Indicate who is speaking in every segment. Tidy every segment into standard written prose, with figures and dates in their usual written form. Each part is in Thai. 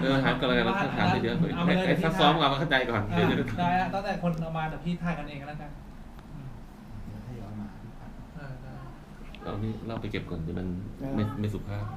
Speaker 1: หาก็เลยเราถามเยอะๆไอ้ซักซ้อมกับมันเข้าใจก่อน
Speaker 2: ได้ตั้งแต่คนเอามาแต่พี่ถ่ายกันเองแล้วกัน
Speaker 3: ให้เอามา
Speaker 1: เรานี่เราไปเก็บก่อนเดี๋ยวมันไม่สุภาพ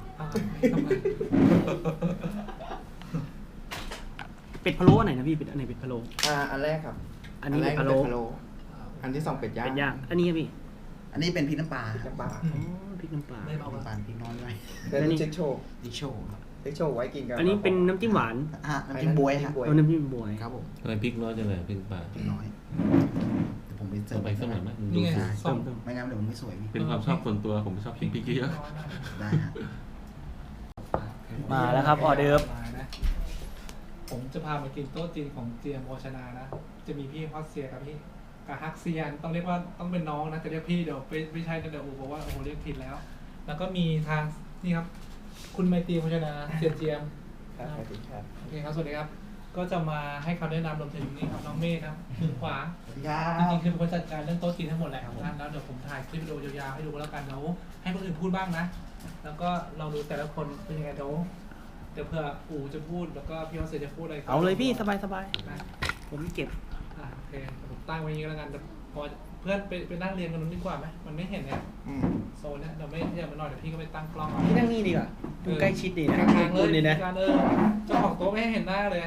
Speaker 4: เป็ดพะโล้อันไหนนะพี่เป็ดอันไหนเป็ดพะโล้
Speaker 3: อันแรกครับ
Speaker 4: อันนี้เป็ดพะโล้
Speaker 3: อันที่สองเป็ดย่าง
Speaker 4: เป็ดย่างอันนี้พี่
Speaker 3: อันนี้เป็นพริกน้ำปลาพริกน้ำปลา
Speaker 4: พริกน้ำปลา
Speaker 3: ไม่เบาพริกน้อยไว้
Speaker 4: แล้วนี่
Speaker 3: เช็คโชว์เช็คโชว์ไว้กินกัน
Speaker 4: อันนี้เป็นน้ำจิ้มหวาน
Speaker 3: น้ำจิ้มบวยฮะ
Speaker 4: น้ำจิ้มบวย
Speaker 3: ครับผม
Speaker 1: ทำไมพริกน้อยจังเลยพริกปลา
Speaker 3: พริกน้อยผมไปเติม
Speaker 1: ไปสักหน่อยไหมดู
Speaker 2: นี่ไง
Speaker 3: ไม่งั้นเดี๋ยวมันไม่สวย
Speaker 1: เป็นความชอบส่วนตัวผมไม่ชอบกินพริกเยอะ
Speaker 3: ได้ฮะ
Speaker 4: มาแล้วครับออเดิร์ฟ
Speaker 2: ผมจะพามากินโต๊ะจีนของเจียมโภชนานะจะมีพี่ฮอสเซียกับพี่กับฮักเซียนต้องเรียกว่าต้องเป็นน้องนะจะเรียกพี่เดี๋ยวไม่ใช่เดี๋ยวบอกว่าโอ้โหเรียกผิดแล้วแล้วก็มีทางนี่ครับคุณไมตรีโภชนาเจียม
Speaker 3: ครับสวัสดีครับ
Speaker 2: โอเคครับสวัสดีครับก็จะมาให้คำแนะนำรวมถึงนี่ครับน้องเมฆครับมือขวาจริงๆคือเป็นคนจัดการเรื่องโต๊ะจีนทั้งหมดแหละแล้วเดี๋ยวผมถ่ายคลิปวิดีโอยาวๆให้ดูแล้วกันเดี๋ยวให้คนอื่นพูดบ้างนะแล้วก็ลองดูแต่ละคนเป็นยังไงเดี๋ยวเผื่ออู๋จะพูดแล้วก็พี่ฮอสเซียจะพูดอะไร
Speaker 4: เอาเลยพี่สบายผมเก็บ
Speaker 2: โอเคผมตั้งไว้อย่างนี้แล้วกันพอเพื่อนไปนั่งเรียนกันนู้นดีกว่าไหมมันไม่เห็นเนี่ยโซนเนี่ยเดี๋ยวไม่อย่ามาหน่อยเดี๋ยวพี่ก็ไปตั้งกล้อง
Speaker 4: พี่นั่งนี่ดีกว่าดูใกล้ชิดดีนะ
Speaker 2: กลางเลยนะการเจ้าของโต๊ะไม่ให้เห็นหน้าเลย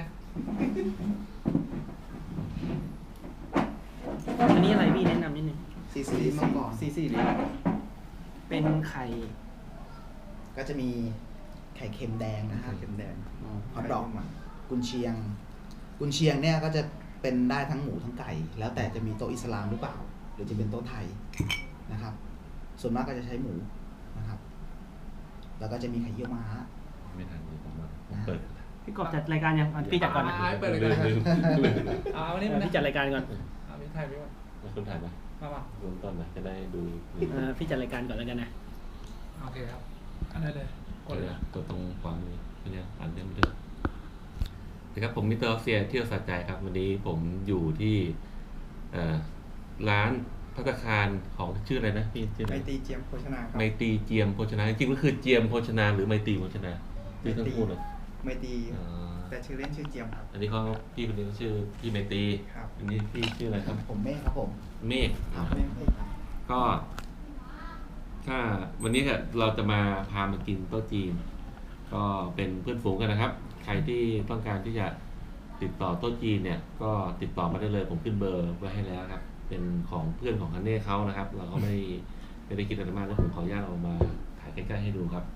Speaker 4: อันนี้อะไรพี่แนะนำนิดนึง
Speaker 3: ซีรีส์มาก่อน
Speaker 4: ซีเลยเป็นไข่
Speaker 3: ก็จะมีไข่เค็มแดงนะฮะเค็มแดงฮอทดอกกุนเชียงเนี่ยก็จะเป็นได้ทั้งหมูทั้งไก่แล้วแต่จะมีโต๊ะอิสลามหรือเปล่าหรือจะเป็นโต๊ะไทยนะครับส่วนมากก็จะใช้หมูนะครับแล้วก็จะมีไข่เยี่ยวม้า
Speaker 1: ไม่ทันเลยผมเปิด
Speaker 4: พี่กบจัดรายการยังพี่จัดก่อนนะ
Speaker 2: เปิดรายการวันนี้
Speaker 4: พี่จัดรายการก่อน
Speaker 2: พี่ถ่ายพี่ก่อน
Speaker 1: คุณถ่ายไหม
Speaker 2: มา
Speaker 1: ดูต้นนะจะได้ดู
Speaker 4: พี่จัดรายการก่อนแล้วกันนะ
Speaker 2: โอเคครับอันนั้นเลย
Speaker 1: กดเลยกดตรงขวามือเนี่ยอ่านเรื่องนะครับผมมิสเตอร์ออฟเซียเที่ยวสัจใจครับวันนี้ผมอยู่ที่ร้านภัตตาคารของชื่ออะไรนะพี่ชื่ออะไร
Speaker 3: ไมตรีเจียมโภชนาครับ
Speaker 1: ไมตรีเจียมโภชนาจริงๆก็คือเจียมโภชนาหรือไมตรีโภชนาชื่อทั้งคู่เลย
Speaker 3: ไมตรีแต่ชื่อเล่นชื่อเจียมครับ
Speaker 1: อันนี้เขาพี่คนนี้ชื่อพี่ไมตรี
Speaker 3: ครับ
Speaker 1: อันนี้พี่ชื่ออะไรครับ
Speaker 3: ผมเมฆครับผม
Speaker 1: เมฆก็ถ้าวันนี้เราจะมาพามากินโต๊ะจีนก็เป็นเพื่อนฝูงกันนะครับใครที่ต้องการที่จะติดต่อโต๊ะจีนเนี่ยก็ติดต่อมาได้เลยผมขึ้นเบอร์ไว้ให้แล้วครับเป็นของเพื่อนของฮันเน่เขานะครับเราก็ไม่ได้คิดอะไรมากแล้วผมขออนุญาตเอามาถ่ายใกล้ๆให้ดูครับ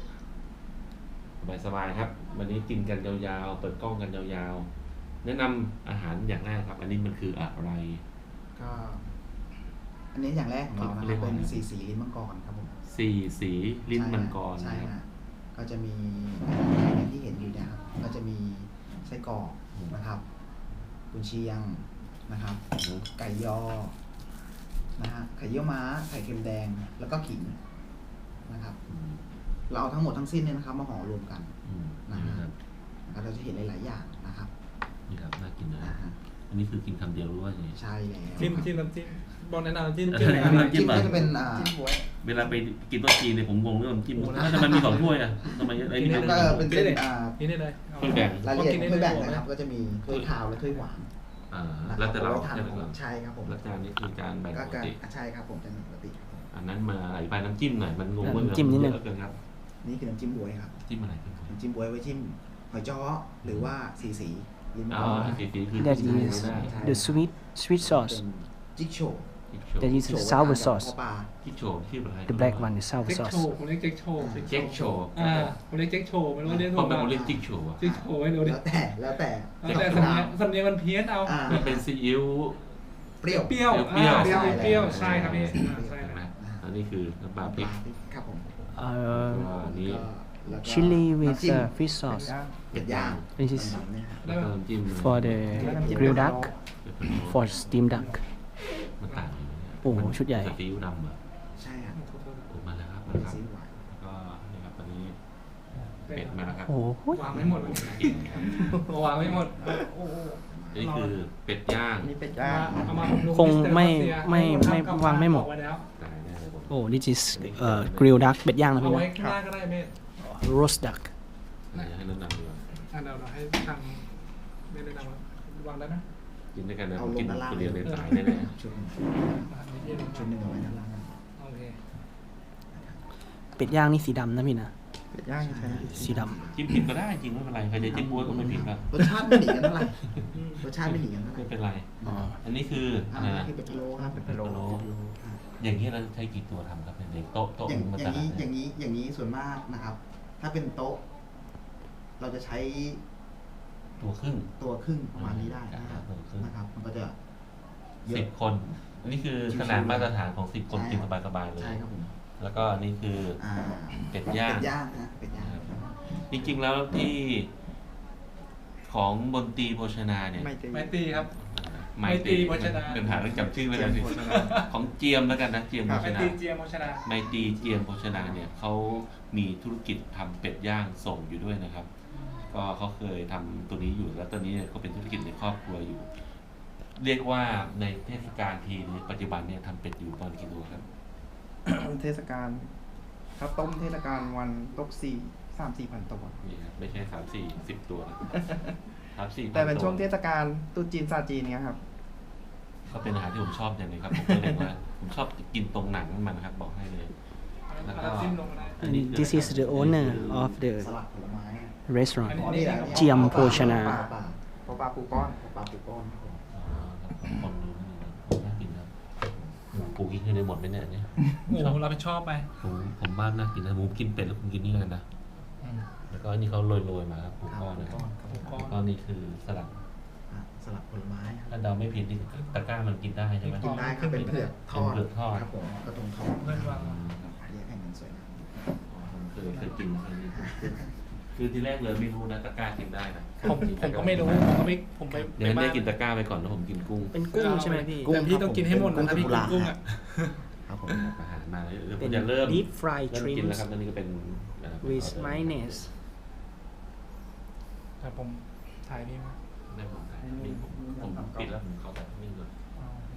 Speaker 1: สบายๆครับวันนี้กินกันยาวๆเปิดกล้องกันยาวๆแนะนำอาหารอย่างแรกครับอันนี้มันคืออะไร
Speaker 3: ก็อันนี้อย่างแรกของเรานะครับเป็นสีลิ้นมังกรครับผม
Speaker 1: สีลิ้นมังกร
Speaker 3: ใช่ฮะก็จะมีอย่างที่เห็นอยู่เนี่ยครับก็จะมีไส้กรอกนะครับกุนเชียงนะครับไก่ยอนะฮะไข่เยี่ยวม้าไข่เค็มแดงแล้วก็ขิงนะครับเราเอาทั้งหมดทั้งสิ้นเนี่ยนะครับมาห่อรวมกันนะครับเราจะเห็นหลายๆอย่างนะครับ
Speaker 1: นี่ครับน่ากินนะอันนี้คือกินคำเดียวรู้ว่าไง
Speaker 3: ใช่แล้ว
Speaker 2: จิ้มน้ำจิ้มบอกแนะนำจิ้ม
Speaker 3: ก็จะเป็น
Speaker 1: เวลาไปกินโต๊ะจีนเนี่ยผมงงเรื่องน้ำจิ้มทำไมมี2ถ้วยอ่ะทำไมไอ้นี่
Speaker 3: ก็เป็นเส้น
Speaker 2: นี่ได้เลย
Speaker 1: ถ้วยแบ่ง
Speaker 3: รายละเอียดถ้วยแบ่งนะครับก็จะมีถ้วยขาวและถ้วยหวาน
Speaker 1: แล้วแต่เรา
Speaker 3: ใช่ครับผม
Speaker 1: แล้วจานนี้คือจานแบ่งปกติ
Speaker 3: ใช่ครับผมจานปกติ
Speaker 1: อันนั้นมาอธิบายน้ำจิ้มหน่อยมันงง
Speaker 4: น้ำจิ้มนิดนึง
Speaker 1: ครับ
Speaker 3: นี่คือน้ำจิ้มบวยครับ
Speaker 1: จิ้มอะไร
Speaker 3: น้ำจิ้มบวยไว้จิ้มหอยจ้อหรือว่าสี
Speaker 1: ลิ้นสีคือ
Speaker 4: That is the sweet sauce
Speaker 3: จิ๊กโช
Speaker 4: That is sour sauce
Speaker 1: จิ๊กโชชื่ออะไร
Speaker 4: The black one is sour sauce
Speaker 2: ผมเรียกเจ๊กโชผมเรียกเจ๊กโชไม่รู้เรียก
Speaker 1: ถูกป่ะผมเรียกจิ๊กโช
Speaker 2: จิ๊กโชไม่รู้
Speaker 3: แล้วแต่
Speaker 2: สำเนียงมันเพี้ยนเอา
Speaker 1: มันเป็นซีอิ๊ว
Speaker 3: เปรี้ยว
Speaker 2: ใช่ครับพี่ใช่
Speaker 1: ไหมอันนี้คือน้ำปลาพริก
Speaker 3: ครับผม
Speaker 1: นี้
Speaker 4: chili with fish sauce
Speaker 3: เป็ดย่าง
Speaker 4: This is for the grilled duck for steamed duck
Speaker 1: มันต่าง
Speaker 4: โอ้โหชุดใหญ่
Speaker 1: ซีอิ๊วดำอ่ะ
Speaker 3: ใช่ครับ
Speaker 1: มาแล้วครับก็นี่ครับตอนนี้เป็ดมาแล้วครับ
Speaker 4: โอ้โห
Speaker 2: วางไม่หมดวางไม่หมด
Speaker 1: นี่คือเป็ดย่าง
Speaker 3: นี่เป็ดย่าง
Speaker 4: คงไม่วางไม่หมดโอ้ this is grilled duck เป็ดย่างนะพี่นะ
Speaker 2: ก็ได้ไหม
Speaker 4: roast duck
Speaker 1: ให้แนะนำดีกว่า
Speaker 2: เราให้ทางไม่แนะนำวางได้ไหม
Speaker 1: กินด้วยกันนะ
Speaker 3: เอา
Speaker 1: ผม
Speaker 3: ล
Speaker 1: กิ
Speaker 3: ง
Speaker 1: น
Speaker 3: ด้านล่าง
Speaker 1: คนเดียวเลยสายแน่
Speaker 3: ชุดหนึ่ง
Speaker 2: อาหารเย็น
Speaker 3: ชุดหนึ่งเอาไว้ด้านล่าง
Speaker 2: โอเค
Speaker 4: เป็ดย่างนี่สีดำนะพี่นะ
Speaker 3: เป็ดย่างใช่ไหม
Speaker 4: สีด
Speaker 1: ๆจิ้มผิดก็ได้จริงไม่เป็นไรใครจะจิ้มบ้วยก็ไม่ผิดครับ
Speaker 3: รสชาติไม่หนีกันเท่าไหร่รสชาติไม่หนีกันเท่าไหร่
Speaker 1: ไม่เป็นไร
Speaker 4: ำอ๋อ
Speaker 1: อันนี้คือ
Speaker 3: อั
Speaker 1: อะ
Speaker 3: น
Speaker 1: ไร
Speaker 3: นี้
Speaker 1: นะ
Speaker 3: คือเป็ดพะโล้ครับ
Speaker 4: เป็ดพะโล้
Speaker 3: ครับ
Speaker 1: อย่างนี้เราใช้กี่ตัวทำครับเป็นเด็กโต๊ะ
Speaker 3: อย่าง
Speaker 1: มัน
Speaker 3: อ
Speaker 1: จะ
Speaker 3: ย่างนี้อย่างนี้ส่วนมากนะครับ ถ้าเป็นโต๊ะ เราจะใช้
Speaker 1: ตัวครึ่ง
Speaker 3: ตัวครึ่งประมาณนี้ได้นะครับ
Speaker 1: ตัวครึ่ง
Speaker 3: นะครับ มันก็จะเย
Speaker 1: สิ
Speaker 3: อะ
Speaker 1: บคน อันนี้คือขนาดมาตรฐานของ10 คน
Speaker 3: ใช่
Speaker 1: กินสบายๆเลย
Speaker 3: ใช่ครับผม
Speaker 1: แล้วก็อันนี้คือ
Speaker 3: อ่า
Speaker 1: เป็ดย่าง
Speaker 3: เป็ดย่างนะเป็ดย่าง
Speaker 1: จริงๆแล้วที่ของบนตรีโภชนาเนี่ย
Speaker 2: ไม่ตีครับ
Speaker 1: ไม่
Speaker 2: ไม่ตรีโภชนา
Speaker 1: เป็นหาเรื่องจำชื่อไม่ได้สิของเจียมแล้วกันนะเจียมโภช
Speaker 2: ไม่
Speaker 1: นา
Speaker 2: ตีเจียมโภชนา
Speaker 1: ไมตรีเจียมโภชนาเนี่ยเขามีธุรกิจทำเป็ดย่างส่งอยู่ด้วยนะครับ ก็เขาเคยทำตัวนี้อยู่แล้วตอนนี้เนี่ยเขาเป็นธุรกิจในครอบครัวอยู่ เรียกว่าในเทศกาลทีนี้ปัจจุบันเนี่ยทำเป็ดอยู่ตอนกี่ตัวครับ
Speaker 5: เทศกาลถ้าต้มเทศกาลวันตก3-4 พันตัว
Speaker 1: นี่ครับไม่ใช่3-4-10 ตัวนะ3-4
Speaker 5: แต่เป็นช่วงเทศกาลตรุษจีนศาสตร์จีนเนี้ยครับ
Speaker 1: ก็เป็นอาหารที่ผมชอบอย่างหนึงครับผมก็เลยว่าผมชอบกินตรงหนังมันครับบอกให้เลย แล้วก็
Speaker 2: จิ้มลงมาได้
Speaker 1: อันนี้คือ
Speaker 4: This is the owner of the
Speaker 3: สลัดผลไม้
Speaker 4: restaurant
Speaker 3: อ๋อนี่แหละ
Speaker 4: เจียมโภชนา
Speaker 3: ปลา
Speaker 5: เพราะปลาปูก้อน
Speaker 3: ปลาปูก้อนครับผม
Speaker 1: อ๋อครับคนดูนี่น่ากินครับหมูปูกินคือได้หมดไหมเนี่ยอันเนี่ย
Speaker 2: โอ้โหเราไปชอบไป
Speaker 1: ผมบ้านน่ากินนะหมูกินเป็ดแล้วคุณกินนี่กันนะ
Speaker 2: อืม
Speaker 1: แล้วก็อันนี้เขาโรยๆมาครับปูก้อนนะครับ
Speaker 3: ครับ
Speaker 2: ปูก้อน
Speaker 1: แล้วก็นี่คือสลัด
Speaker 3: อ่ะสลัดผลไม้ครับ
Speaker 1: ถ้าเดาไม่ผิดนี่ตะกร้ามันกินได้ใช่ไหม
Speaker 3: กินได้ครับเป็นเผือกทอด
Speaker 1: เป็นเผือกทอด
Speaker 3: ครับผมกระทงทอด
Speaker 2: เพื่อนว่า
Speaker 3: เรียกให้มันสวยงาม
Speaker 1: ผมเคยกินอันนี้คือที่แรกเลยไม่รู้นะตะกร้ากินได้นะ
Speaker 2: ผมก็ไม่รู้ผมไป
Speaker 1: เดี๋ยวได้กินตะกร้าไปก่อนแล้วผมกินกุ้ง
Speaker 4: เป็นกุ้งใช่ไหมพี่
Speaker 2: แต่พี่ต้องกินให้หมดนะถ้าพี่กินกุ้งอ่ะ
Speaker 3: ครับผม
Speaker 1: อาหารมาเดี๋ยวผ
Speaker 4: เป็
Speaker 1: ม
Speaker 4: น
Speaker 1: จะเริ่ม
Speaker 4: deep fried
Speaker 1: เริ่มกินแล้ว
Speaker 4: shrimps
Speaker 1: ครับตอนนี้ก็เป็น
Speaker 4: with mayonnaise
Speaker 2: แต่ผมถ่ายนี่มา
Speaker 1: ได้ผมได้นี่ผมปิดแล้วผมเข้าแบบนิ่งเลย
Speaker 2: เอาโอเค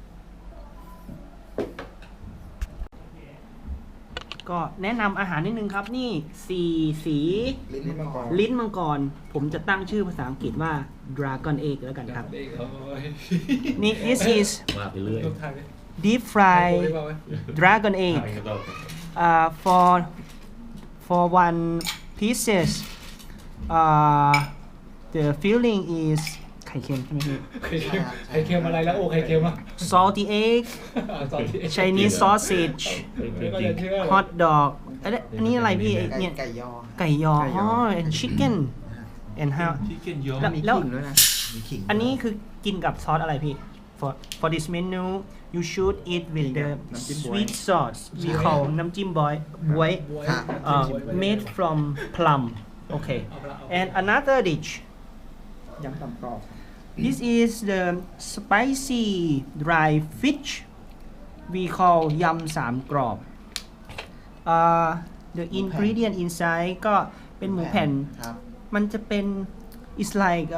Speaker 4: ก็แนะนำอาหารนิดนึงครับนี่สี
Speaker 3: ลิ้นมังกร
Speaker 4: ลิ้นมังกร ผมจะตั้งชื่อภาษาอังกฤษว่า dragon egg แล้วกันครับ
Speaker 2: เด็กโอ้ย
Speaker 4: นี่ this is
Speaker 1: ว่าไปเรื่อย
Speaker 2: ลูกถ่ายดิ
Speaker 4: deep
Speaker 2: โอ้
Speaker 4: fried
Speaker 2: ยเบาไว้
Speaker 4: dragon egg
Speaker 1: ถ่ายกันต่อ
Speaker 4: for one pieces the filling is ไข่เค็มใช่ไหมพี่
Speaker 2: ไข่เค็มอะไรแล้วโอ้ไข่เค็มอ่ะ
Speaker 4: salty egg
Speaker 2: สอนที่
Speaker 4: Chinese sausage
Speaker 2: ไม่ก็จะเชื่อ
Speaker 4: hot dog อันนี้อะไรพี่เนี่ย
Speaker 3: ไก่ยอ
Speaker 4: ไก่ยออ๋อ and chicken and how
Speaker 1: ชิคเก้นเยอะ
Speaker 4: แล้ว
Speaker 5: มี
Speaker 4: แล้ว
Speaker 5: ขิงด้วยนะ
Speaker 3: มีขิง
Speaker 4: อันนี้คือกินกับซอสอะไรพี่ for this menu you should eat with the
Speaker 5: น้ำจิ้มบ๊วย
Speaker 4: sweet sauce we call น้ำจิ้มบอยบวย
Speaker 3: ครับ
Speaker 4: made from plum okay and another dish
Speaker 5: ยำตำกรอบ
Speaker 4: this is the spicy dry fish we call ยำสามกรอบ the ingredient inside ก็เป็นหมูแผ่น
Speaker 3: ครับ
Speaker 4: มันจะเป็น it's like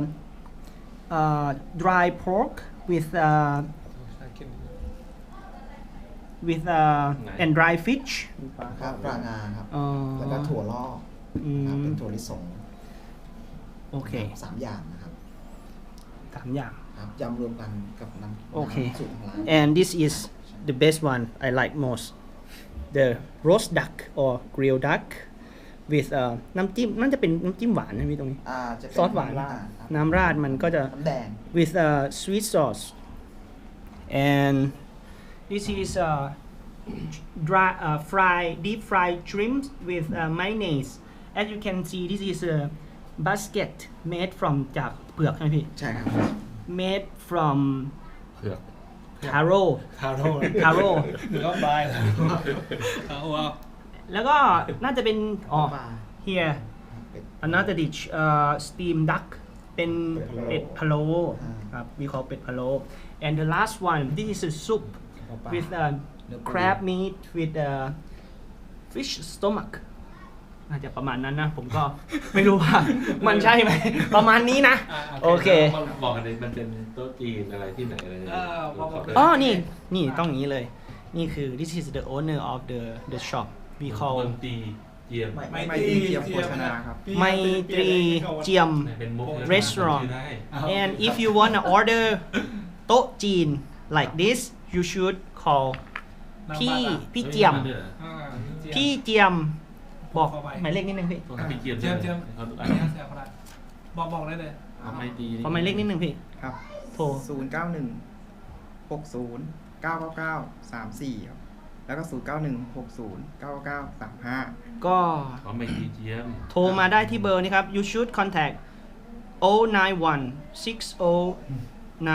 Speaker 4: dry pork with and dry fish
Speaker 5: มีปลา
Speaker 3: ครับปลางาครับ
Speaker 4: อ๋อ
Speaker 3: แล้วก็ถั่วลอก
Speaker 4: อื
Speaker 3: ครับ
Speaker 4: ม
Speaker 3: เป็นถั่วลิสง
Speaker 4: โอเค
Speaker 3: สามอย่างนะครับ
Speaker 4: สามอย่าง
Speaker 3: ครับยำรวมกันกับน้ำ
Speaker 4: โอเค
Speaker 3: น้ำสูตรของร้าน
Speaker 4: and this is the best one I like most the roast duck or grilled duck with น้ำจิ้มน่าจะเป็นน้ำจิ้มหวานนะพี่ตรงนี้
Speaker 3: จะเป็น
Speaker 4: ซอสหวาน
Speaker 3: ราดครับ
Speaker 4: น้ำราดมันก็จะ
Speaker 3: น้ำแดง
Speaker 4: with sweet sauce and this is dry deep fried shrimp with mayonnaise as you can see this is a basket made from จากเปลือกใช่ไหมพี่
Speaker 3: ใช่ครับ
Speaker 4: made from
Speaker 1: เผือก
Speaker 4: taro
Speaker 2: ทาโร่
Speaker 4: taro
Speaker 2: หรือว่าบายเอาเอา
Speaker 4: แล้วก็น่าจะเป็นอ๋อ
Speaker 3: ปลา
Speaker 4: here
Speaker 3: เป็ด
Speaker 4: another dish steam duck เป็นเป็ดพะโล้
Speaker 3: อ่า
Speaker 4: ครับ we call เป็ดพะโล้ and the last one this is a soup with crab meat with fish stomach น่าจะประมาณนั้นนะ ผมก็ ไม่รู้ว่า มันใช่ไหม ประมาณนี้นะ โอเค
Speaker 1: บอกกันเลยมันเป็นโต๊ะจีนอะไรที่ไหนอะไรเนี่ย
Speaker 4: อ๋อ นี่ต้องอย่างนี้เลย นี่คือ this is the owner of the shop we
Speaker 1: บ
Speaker 4: call
Speaker 1: นตรีเจียม
Speaker 5: ไม่ตีเจียมโภชนาครับ
Speaker 4: ไมตรีเจียม
Speaker 1: เป็นมุก
Speaker 4: Restaurant
Speaker 1: ชื่อได้
Speaker 4: and if you wanna order โต๊ะจีน like this you should call พี่เจียม
Speaker 2: อ่า
Speaker 4: พี่เจียมบอกหมายเลขนิดนึงพี่
Speaker 1: ต้องพี่เจียม
Speaker 2: เจียมเจียม
Speaker 1: เขาดู
Speaker 2: อั
Speaker 1: อั
Speaker 2: น
Speaker 1: น
Speaker 2: นี้
Speaker 1: นี้
Speaker 2: เสียพลังบอกได้เลย
Speaker 1: เขาไม่ดี
Speaker 4: ขอหมายเลขนิดนึงพี่
Speaker 5: ครับ
Speaker 4: โทร
Speaker 5: 091 60 999 34 ครับ แล้วก็ 091 60 999 35
Speaker 4: ก็
Speaker 1: เขาไม่ดีเจียม
Speaker 4: โทรมาได้ที่เบอร์นี้ครับ you should contact 091 60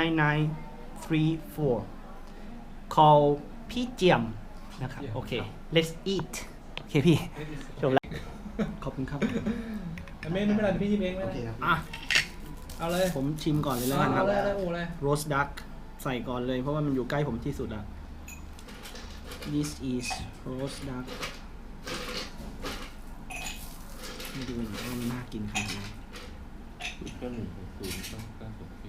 Speaker 4: 99934 call พี่เจียมนะครับโอเค let's eat โอเคพี่จบแล้วขอบคุณครับ
Speaker 2: ไม่เป็นไรพี่ชิมเองไม่
Speaker 3: โอ
Speaker 2: เป็น
Speaker 3: เค
Speaker 2: ไร
Speaker 3: ครับ
Speaker 4: อ่ะ
Speaker 2: เอาเลย
Speaker 4: ผมชิมก่อนเลยแล้วกันค
Speaker 2: เอา
Speaker 4: รับ
Speaker 2: เลยโอ้เลย
Speaker 4: roast duck ใส่ก่อนเลยเพราะว่ามันอยู่ใกล้ผมที่สุดอะ this is roast duck ไม่ดูว่ามันน่ากินขนาดไหน
Speaker 1: ก็160ต้อง964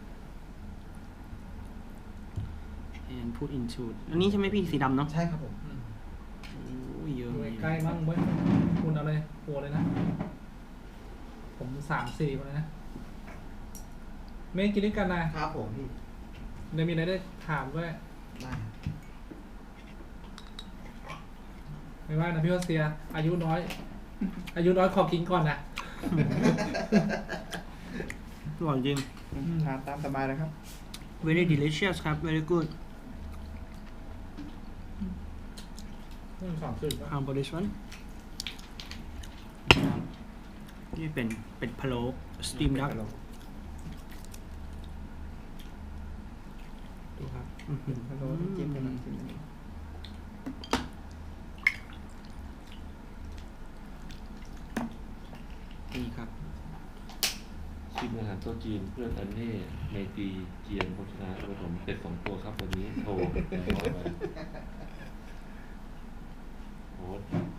Speaker 4: and put into อันนี้ใช่ไหมพี่สีดำเนาะ
Speaker 3: ใช่ครับผม
Speaker 4: โอ้ยเยอะ
Speaker 2: ดู
Speaker 4: เลย
Speaker 2: ใกล้มั่งเว้ยคุณเอาเลยโอ้เลยนะ ผม3-4คนเลยนะเมย์กินด้วยกันนะครับ
Speaker 3: ผมพี่
Speaker 2: เดี๋ยวมีอะไรได้ถามด้วย
Speaker 3: ได้ครับ
Speaker 2: ไม่ว่านะพี่ว่าเซีย อายุน้อย อายุน้อยขอกินก่อนนะ
Speaker 4: อร่อยจริง
Speaker 5: ทานตามสบายเลยครับ
Speaker 4: very delicious ครับ very good
Speaker 2: 3-4
Speaker 4: how about this one นี่เป็นเป็ดพะโล้ steam duck ดูครับอื้อหือ
Speaker 5: ฮัลโหลจิ้มกันน้ำจิ้มกัน
Speaker 4: นี่ครับ
Speaker 1: ชิมอาหารโต๊ะจีนเพื่อนอันเน่เมตีเจียมโภชนาผสมเป็ด2 ตัวครับวันนี้โทรโอ้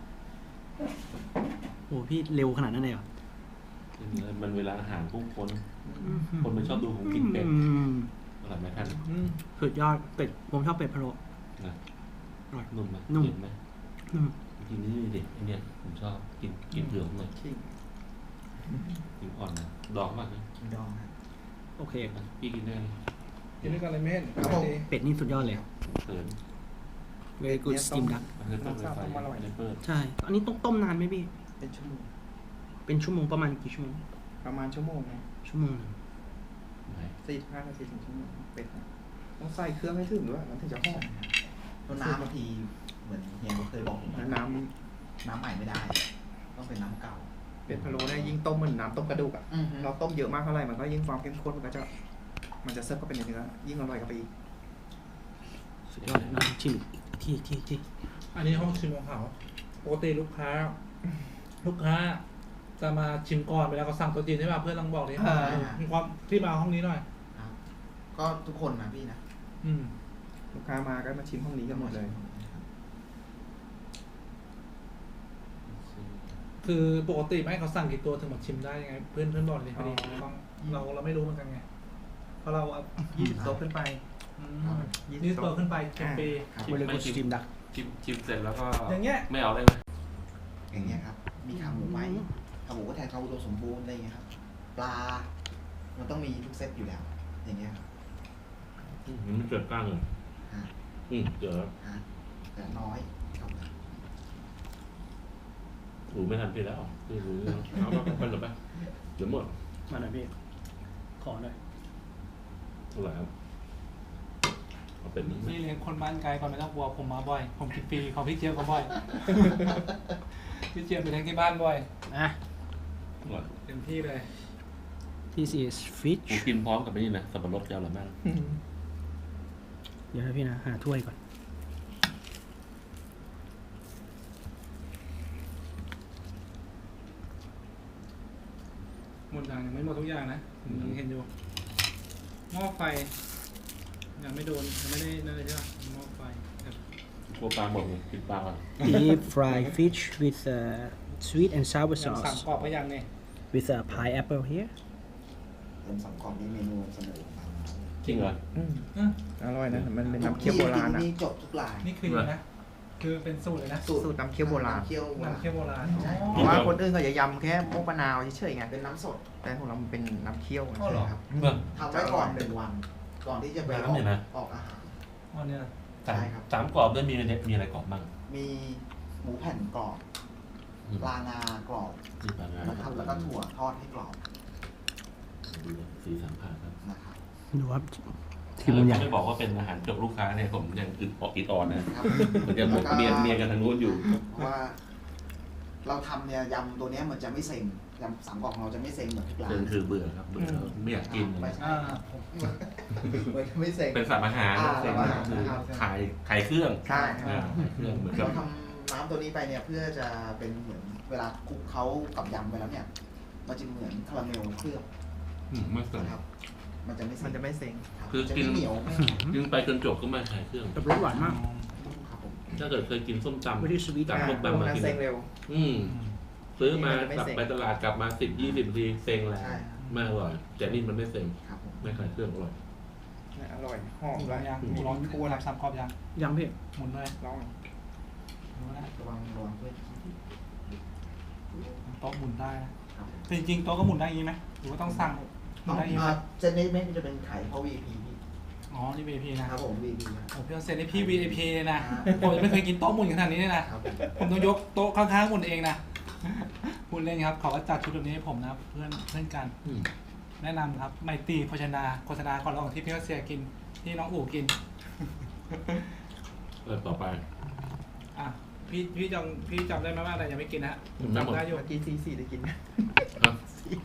Speaker 4: โอ้พี่เร็วขนาดนั้นเลยเหรอ
Speaker 1: มันเวลาอาหารผู้คนมันชอบดูผมกินเป็ด
Speaker 4: อืม
Speaker 1: อร่อยไหมท่าน
Speaker 4: สุดยอดเป็ดผมชอบเป็ดพะโล้
Speaker 1: นะ
Speaker 4: อร่อย
Speaker 1: นุ่มไหม
Speaker 4: นุ่ม
Speaker 1: เห็นไหม
Speaker 4: อืม
Speaker 1: กินนี่ดิไอเนี่ยผมชอบกินเผือกหน่อย
Speaker 5: ขิง
Speaker 1: กินอ่อนนะดองมากเลย
Speaker 3: กินดองครับ
Speaker 4: โอเค
Speaker 1: พี่กินได้ไหม
Speaker 2: กินด้วยกันเลยเมน
Speaker 3: ครับผม
Speaker 4: เป็ดนี่สุดยอดเลย
Speaker 1: เขิน
Speaker 4: very good steam duck
Speaker 1: มันคือต้มไฟไฟในเปิด
Speaker 4: ใช่ อันนี้ต้องต้มนานไหมพี่
Speaker 5: เป็นชั่วโมง
Speaker 4: เป็นชั่วโมงประมาณกี่ชั่วโมง
Speaker 5: ประมาณชั่วโมงนะ
Speaker 4: ชั่วโมงหนึ่ง
Speaker 5: 45 นาทีถึงชั่วโมงเป็ดนะต้องใส่เครื่องให้ถึงด้วยมันถึงจะหอม
Speaker 3: ตัวน้ำบางทีเหมือนเฮียเขาเคยบอกผม
Speaker 5: แล้ว
Speaker 3: น้ำใหม่ไม่ได้ ต้องเป็นน้ำเก่า
Speaker 5: เป็ดพะโล้เนี่ยยิ่งต้มเหมือนน้ำต้มกระดูกอ่ะ
Speaker 3: อือฮึ
Speaker 5: เราต้มเยอะมากเท่าไหร่มันก็ยิ่งความเข้มข้นมันจะเซิร์ฟเข้าไปในเนื้อยิ่งอร่อยเข้าไปอีก
Speaker 4: สุดยอดเลยน้องชิมอีกที่
Speaker 2: อันนี้ห้องชิมของเขาปกติลูกค้า จะมาชิมก่อนเวลาเขาสั่งตัวจีนใช่ป่ะเพื่อนลองบอกดิมีความที่มาห้องนี้หน่อย
Speaker 3: ครับ ก็ทุกคนนะพี่นะ
Speaker 5: ลูกค้ามาก็มาชิมห้องนี้กันหมดเลย
Speaker 2: คือปกติไม่ให้เขาสั่งกี่ตัวถึงมาชิมได้ยังไง เพื่อนบอกเลยพอดีเราไม่รู้เหมือนกันไงเพราะเรา
Speaker 5: 20 โต๊ะขึ้นไป
Speaker 2: 20 ตัวขึ้นไป10 ปี
Speaker 3: ครับ
Speaker 4: very good steam duck
Speaker 1: ชิมเสร็จแล้วก็
Speaker 2: อย่างเงี้ย
Speaker 1: ไม่เอาเลยไหม
Speaker 3: อย่างเงี้ยครับ มีขาหมูไหมขาหมูก็แทนขาอุดมสมบูรณ์อะไรอย่างเงี้ยครับ ปลา มันต้องมีทุกเซตอยู่แล้ว อย่างเงี้ยครับ
Speaker 1: มันเกิดกล้างเลย
Speaker 3: ฮะ
Speaker 1: เจอ
Speaker 3: ฮะแต่น้อยครับ
Speaker 1: หูไม่ทันพี่แล้วพี่รู้เอาไปหรือไปเดี๋ยวหมด
Speaker 4: มาหน่อยพี่ขอหน่อย
Speaker 1: เท่าไหร่ครับเอาเป็นนี้
Speaker 2: นี่เลี้ยงคนบ้านไกลก่อนไม่ต้องกลัวผมมาบ่อย ผมกินฟรีของพี่เจี๊ยบก็บ่อย พี่เจี๊ยบไปเลี้ยงที่บ้านบ่อย
Speaker 4: อ่ะ
Speaker 1: อร่อย
Speaker 2: เต็มที่เลย
Speaker 4: this is fish
Speaker 1: ผมกินพร้อมกับนี่นะสับปะรดยาวหรือไม่
Speaker 4: เดี๋ยวนะพี่นะหาถ้วยก่อน
Speaker 2: หมดอย่างยังไม่หมดทุกอย่างนะผมยังเห็นอยู่หม้อไฟยังไม่โดนยังไม่ได้นั่นเลยใช่ไหมหม้อไฟแบบ
Speaker 1: กลัวปลาหมดเลยกินปลาก่อน
Speaker 4: deep fried fish with sweet and sour
Speaker 2: อย่างสั่ง
Speaker 4: sauce
Speaker 2: กรอบก็ยังเนี่ย
Speaker 4: with a pineapple here
Speaker 3: เป็นสองกล่องนี้เมนูเสนอมา
Speaker 1: จริงเหรอ
Speaker 2: อ่ะ
Speaker 5: อร่อยนะ มันเป็นน้ำเคี่ยวโบราณอ่ะ
Speaker 3: มีจบทุกราย
Speaker 2: นี่คือนะคือเป็นสูตรเลยนะ
Speaker 5: สูตรน้ำเคี่ยวโบราณ
Speaker 3: น้ำเคี่ยวโบราณ
Speaker 2: น้ำเคี่ยวโบราณ
Speaker 3: ใช่
Speaker 5: เพราะว่าคนอื่นเขาจะยำแค่พวกมะนาวเฉยๆไง
Speaker 3: เป็นน้ำสด
Speaker 5: แต่ของเรามันเป็นน้ำเคี่ยว
Speaker 2: อ๋อเหรอ
Speaker 3: ครับ
Speaker 1: เมื่อ
Speaker 3: ทำไว้ก่อน1 วัน ก่อนที่จะไปอ
Speaker 1: น้ำเนี่ยนะ
Speaker 3: อกอาหาร
Speaker 2: อ๋อเนี่ย
Speaker 1: สาม
Speaker 3: ใช่ครับ
Speaker 1: สามกรอบด้วยมีอะไรกรอบบ้าง
Speaker 3: มีหมูแผ่นกรอบ
Speaker 1: อืม
Speaker 3: ปลางากรอบ
Speaker 1: มีปลางา
Speaker 3: นะครับแล้วก็ถั่วทอดให้กรอบ
Speaker 1: ดูนะสีสันผ่านครับ
Speaker 3: นะครับ
Speaker 4: ดูครับทีมมันใหญ่
Speaker 1: ไม่บอกว่าเป็นอาหารจบลูกค้าเนี่ยผมยังอึดออกอิดออนนะ
Speaker 3: ครับ
Speaker 1: มันจะบอกเมียกันทางนู้นอยู่
Speaker 3: เพราะว่า เราทำเนี่ยยำตัวเนี้ยมันจะไม่เซ็งยำ3 กล่องเราจะไม่เซ็งเหมือนทุกร้าน
Speaker 1: คือเบื่อครับเบื่อแล้วไม่อยากกิน
Speaker 3: ไม่
Speaker 1: เลย
Speaker 3: ใช่ครับมันจะไม่เซ็ง
Speaker 1: เป็นสัตว์อาหาร
Speaker 3: อ่า
Speaker 1: เป็น
Speaker 3: สัตว์อาหาร
Speaker 1: คือ
Speaker 3: ครับ
Speaker 1: ขายเครื่อง
Speaker 5: ใช่
Speaker 1: อ่าขายเครื่องเหมือนกับ
Speaker 3: เราทำน้ำตัวนี้ไปเนี่ยเพื่อจะเป็นเหมือนเวลาคลุกเขากับยำไปแล้วเนี่ย มันจะเหมือนคาราเมลเคลือบ
Speaker 1: ไม่เกิน
Speaker 3: นะครับ มันจะไม่เซ็ง
Speaker 5: มันจะไม่เซ็ง
Speaker 3: ครับ
Speaker 1: คือ
Speaker 3: จะ
Speaker 1: กิน
Speaker 3: ไม่เหนียว
Speaker 1: กินไปจนจบก็ไม่ขายเครื่อง
Speaker 4: แบบรสหวานมาก
Speaker 3: ครับผม
Speaker 1: ถ้าเกิดเคยกินส้มตำ
Speaker 4: Very sweet
Speaker 1: จากพวก
Speaker 5: พว
Speaker 1: ตำ
Speaker 5: ก
Speaker 1: มา
Speaker 5: นั้น
Speaker 1: กิน
Speaker 5: เซ็งเร็ว
Speaker 1: ซื้อมา
Speaker 5: นี่มันจะไม่
Speaker 1: กลับ
Speaker 5: เซ็ง
Speaker 1: ไปตลาดกลับมา10-20 นาทีเซ็งแล้ว
Speaker 3: ใช่
Speaker 1: ไม่อร่อยแต่นี่มันไม่เซ็ง
Speaker 3: ครับผม
Speaker 1: ไม่ขายเครื่องอร่อย
Speaker 5: อร่อย หอม
Speaker 2: ล
Speaker 5: ด้
Speaker 2: อ
Speaker 5: ว
Speaker 2: ง
Speaker 5: ย
Speaker 2: ยัง
Speaker 5: มี
Speaker 2: ลอง
Speaker 5: ทั่ว
Speaker 2: ทำซ้ำกรอบยัง
Speaker 4: ยังพี่
Speaker 2: หมุนเลย
Speaker 5: ลอง
Speaker 2: ดูนะ
Speaker 3: ระวังเพื่อน
Speaker 2: โต๊ะหมุนได้นะ
Speaker 3: ครับผม
Speaker 2: แต่จริงๆโต๊ะก็หมุนได้อย่างนี้ไหมหรือว่าต้องสั่งหมุนได้อย่างนี้ไหม
Speaker 3: เซนนี้ไม่จะเป็นไข่เพราะ VIP พี่
Speaker 2: อ๋อนี่ VIP นะครับ
Speaker 3: ผม VIP นะ
Speaker 2: โอ้พี่เอาเซ็นให้พี่ VIP เลยนะ
Speaker 3: อ่า
Speaker 2: ผมยังไม่เคยกินโต๊ะหมุนขนาดนี้เลยนะ
Speaker 3: ครับผม
Speaker 2: ผมต้องยกโต๊ะข้างๆหมุนเองนะพูดเล่นครับเขาก็จัดชุดแบบนี้ให้ผมนะเพื่อนกัน
Speaker 1: อืม
Speaker 2: แนะนำครับไมตรีโภชนาโฆษณาก่อนระหว่างที่พี่รัสเซียกินที่น้องอู๋กิน
Speaker 1: ต่อไป
Speaker 2: อ่ะพี่จำได้ไหมว่าอะไรยังไม่กินนะฮะ
Speaker 1: ไม่หมด
Speaker 2: จำได้อยู่
Speaker 5: เมื่อกี้ซีได้กิน
Speaker 1: ครับ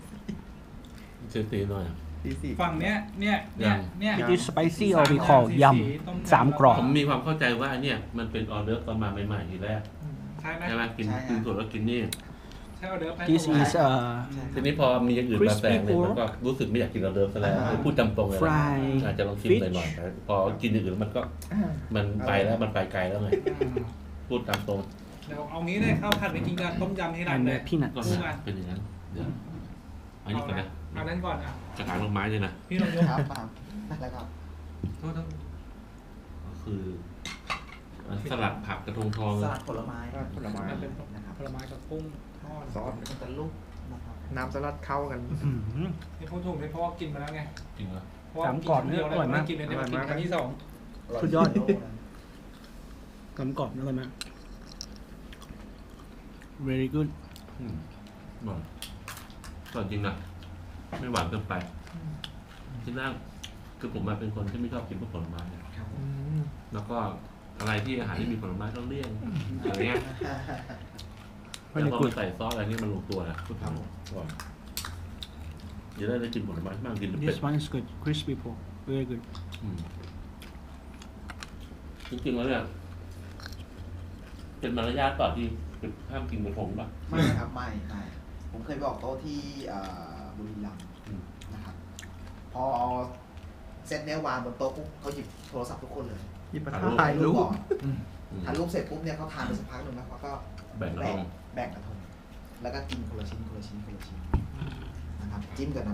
Speaker 1: ตีหน่อย
Speaker 5: ซี
Speaker 2: ฝั่งเนี้ย
Speaker 4: It is spicy or we call ยำ3 กรอบ
Speaker 1: ผมมีความเข้าใจว่าเนี่ยมันเป็นออเดอร์ตอนมาใหม่ๆทีแรก
Speaker 2: ใช่ไหม
Speaker 1: ใช่ไหมกินส่วนแล้วกินนี่
Speaker 2: ใช่ออเดอร์ไป
Speaker 4: This is
Speaker 1: ทีนี้พอมีอย่างอื่นมาแซงเนี่ยมันก็รู้สึกไม่อยากกินออเดอร์ซะแล้วพูดตามตรงเลยนะ
Speaker 4: Fry
Speaker 1: อาจจะลองชิมหน่อยๆแต่พอกินอย่างอื่นมันก็มันไปแล้วมันไปไกลแล้วไงพูดตามตรง
Speaker 2: เดี๋ยวเอางี้เลยข้าวผัดไปกินกับต้มยำที่ร้าน
Speaker 4: and
Speaker 2: เลย
Speaker 4: peanut
Speaker 1: ก็
Speaker 2: คู่กัน
Speaker 1: เป็นอย่างนั้นเดี๋ยวอันนี้ก่อนนะ
Speaker 2: เอานั้นก่อนอ่ะ
Speaker 1: กระถางดอกไม้เลยนะ
Speaker 2: พี่ลองยก
Speaker 3: ครับมานั่นแหละครับ
Speaker 2: โทษ
Speaker 1: ก็คือสลัดผักกระทงทอง
Speaker 3: สลัดผลไม้
Speaker 5: ผลไม้
Speaker 2: มันเป็น
Speaker 3: นะครับ
Speaker 2: ผลไม้กับกุ้งทอด
Speaker 5: ซอส
Speaker 3: มันจะลูกนะครับ
Speaker 5: น้ำสลัดเข้ากัน
Speaker 2: นี่พูดถูกเลยเพราะว่ากินมาแล้วไง
Speaker 1: จริงเหรอ
Speaker 2: เพราะว่า
Speaker 4: สามกรอบเนี่ยอร่อยมาก
Speaker 2: กินเลยเนี่ยมากินครั้งที่ 2
Speaker 4: สุดยอด กำกรอบอร่อยมาก very good
Speaker 1: หวานก่อนจริงนะไม่หวานเกินไปที่นั่งคือผมมาเป็นคนที่ไม่ชอบกินพวกผลไม้นะครับ แล้วก็อะไรที่อาหารที่มีผลไม้ต้องเลี่ยงอะไรเงี้ย
Speaker 4: very
Speaker 1: แต่พอ
Speaker 4: good
Speaker 1: ใส่ซอสอะไรนี่มันลงตัวนะพูดครับผมก่อนจะได้กินผลไม้บ้างกินเป็ด
Speaker 4: this one is good crispy pork very good
Speaker 1: จริงๆแล้วเนี่ยเป็นมารยาทต่อที่ห้ามกินกระทงป่ะ
Speaker 3: ไม่ครับไม่ผมเคยบอกโต๊ะที่บุรีรัมย์
Speaker 1: อืม
Speaker 3: นะครับ พอเซตเนี้ยวางบนโต๊ะปุ๊บเขาหยิบโทรศัพท์ทุกคนเลย
Speaker 5: หยิบมา
Speaker 1: ถ่ายรูป
Speaker 5: ถ่ายรูป
Speaker 3: ก่อนถ่ายรูปเสร็จปุ๊บเนี่ยเขาทานไปสักพักหนึ่งแล้วเขาก็
Speaker 1: แบ่งกระทง
Speaker 3: แบ่งกระทงแล้วก็กินคนละชิ้นนะครับจิ้มกับน้ำ